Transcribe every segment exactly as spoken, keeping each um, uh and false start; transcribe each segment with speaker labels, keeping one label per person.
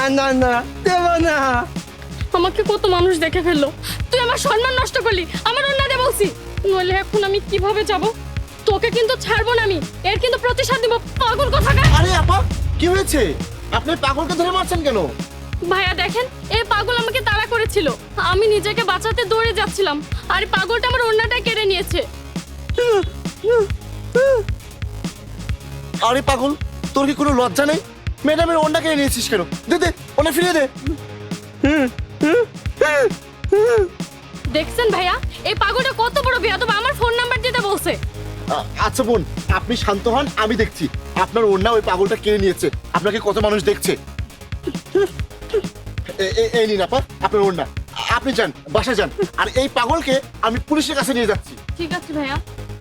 Speaker 1: না না দেব না।
Speaker 2: আমাকে কত মানুষ দেখে ফেললো, তুই আমার সম্মান নষ্ট করলি, আমার ওন্না দে বলছি, নইলে এখন আমি কিভাবে যাব? তোকে কিন্তু ছাড়বো না আমি, এর কিন্তু প্রতিশোধ নিব, পাগল কোথাকার।
Speaker 3: আরে আপা কি হয়েছে? আপনি পাগলকে ধরে মারছেন কেন?
Speaker 2: ভাইয়া দেখেন, এই পাগল আমাকে তাড়া করেছিল, আমি নিজেকে বাঁচাতে দৌড়ে যাচ্ছিলাম, আর এই পাগলটা আমার ওন্নাটা কেড়ে নিয়েছে।
Speaker 3: আরে পাগল, তোর কি কোনো লজ্জা নেই? ম্যাডামের ওন্ডাকে নিয়েছিস কেন? দে দে, ওনা ফিরিয়ে দে।
Speaker 2: দেখছেন ভাইয়া, এই পাগলটা কত বড় বেয়াদব, আমার ফোন নাম্বার দিতে বলছে।
Speaker 3: আ- আচ্ছা বোন, আপনি শান্ত হন, আমি দেখছি। আপনার ওন্ডা ওই পাগলটা কেড়ে নিয়েছে, আপনাকে কত মানুষ দেখছে। এ- এ- এই নিন আপা আপনার ওন্ডা, আপনি যান, বাসা যান, আর এই পাগলকে আমি পুলিশের কাছে নিয়ে যাচ্ছি।
Speaker 2: ঠিক আছে ভাইয়া।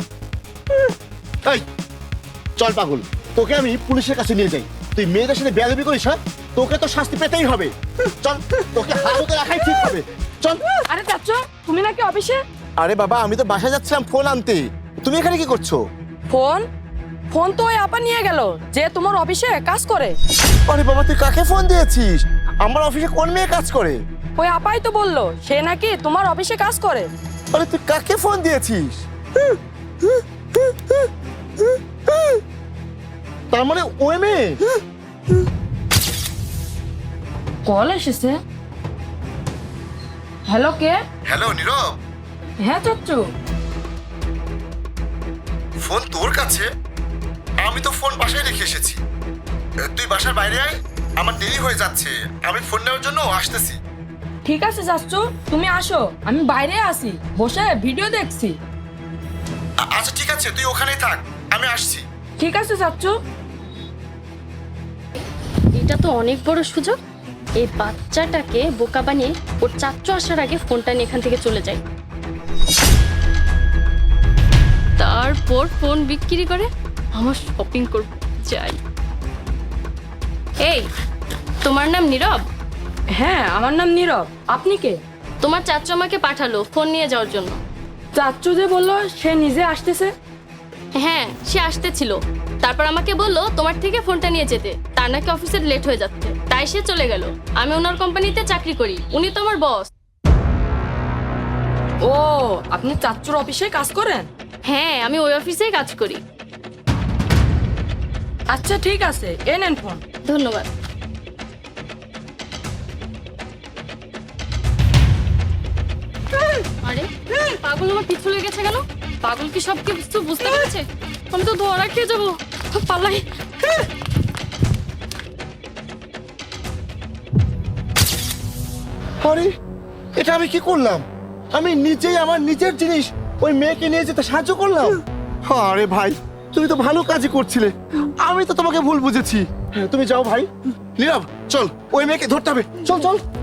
Speaker 3: এই চল পাগল, তোকে আমি পুলিশের কাছে নিয়ে যাই। তুই মেয়েদের সাথে বেয়াদবি করিস, হ্যাঁ? তোকে তো শাস্তি পেতেই হবে। চল, তোকে হাজতে রাখাই ঠিক হবে। চল।
Speaker 4: আরে চাচু, তুমি নাকি অফিসে?
Speaker 3: আরে বাবা, আমি তো বাসায় যাচ্ছিলাম ফোন আনতে। তুমি এখানে কি করছো?
Speaker 4: ফোন ফোন তো ওই আপা নিয়ে গেল, যে তোমার অফিসে কাজ করে।
Speaker 3: আরে বাবা, তুই কাকে ফোন দিয়েছিস? আমার অফিসে কোন মেয়ে কাজ করে?
Speaker 4: ওই আপাই তো বললো সে নাকি তোমার অফিসে কাজ করে।
Speaker 3: আরে তুই কাকে ফোন দিয়েছিস? তার মানে ওই মেয়ে?
Speaker 4: কল এসেছে। হ্যালো, কে?
Speaker 3: হ্যালো নীরব,
Speaker 4: হ্যাঁ চাচু।
Speaker 3: ফোন তোর কাছে? আমি তো ফোন বাসায় রেখে এসেছি। তুই বাসার বাইরে আয়, আমার দেরি হয়ে যাচ্ছে, আমি ফোন নেওয়ার জন্য আসতেছি।
Speaker 4: ঠিক আছে চাচু, তুমি আসো, আমি বাইরে আসি, বসে ভিডিও দেখছি।
Speaker 3: আ- আচ্ছা ঠিক আছে, তুই ওখানেই থাক, আমি আসছি।
Speaker 4: ঠিক আছে চাচু।
Speaker 2: এটা তো অনেক বড় সুযোগ, এই বাচ্চাটাকে বোকা বানিয়ে ওর চাচ্চু আসার আগে ফোনটা নিয়ে এখান থেকে চলে যায়, তারপর ফোন বিক্রি করে আমার শপিং করব। যাই। এই, তোমার নাম নীরব?
Speaker 4: হ্যাঁ, আমার নাম নীরব। আপনি কে?
Speaker 2: তোমার চাচ্চু আমাকে পাঠালো ফোন নিয়ে যাওয়ার জন্য।
Speaker 4: চাচু যে বললো সে নিজে আসতেছে।
Speaker 2: হ্যাঁ, সে আসতেছিল, তারপর আমাকে বললো তোমার থেকে ফোনটা নিয়ে যেতে, তার নাকি অফিসে লেট হয়ে যাচ্ছে, তাই সে চলে গেল। আমি ওনার কোম্পানিতে চাকরি করি, উনি তো আমার বস।
Speaker 4: ও, আপনি চাচুর অফিসে কাজ করেন?
Speaker 2: হ্যাঁ, আমি ওই অফিসেই কাজ করি।
Speaker 4: আচ্ছা ঠিক আছে, এ নেন ফোন।
Speaker 2: ধন্যবাদ। আরে পাগল আমার পিছু লেগেছে কেন? পাগল কি সব কিছু বুঝতে পেরেছে? আমি তো ধরা খেয়ে যাবো, পালাই।
Speaker 3: আরে এটা আমি কি করলাম? আমি নিজেই আমার নিজের জিনিস ওই মেয়েকে নিয়ে যেতে সাহায্য করলাম। আরে ভাই, তুমি তো ভালো কাজই করছিলে, আমি তো তোমাকে ভুল বুঝেছি। হ্যাঁ, তুমি যাও ভাই। নীরব চল, ওই মেয়েকে ধরতে হবে, চল চল।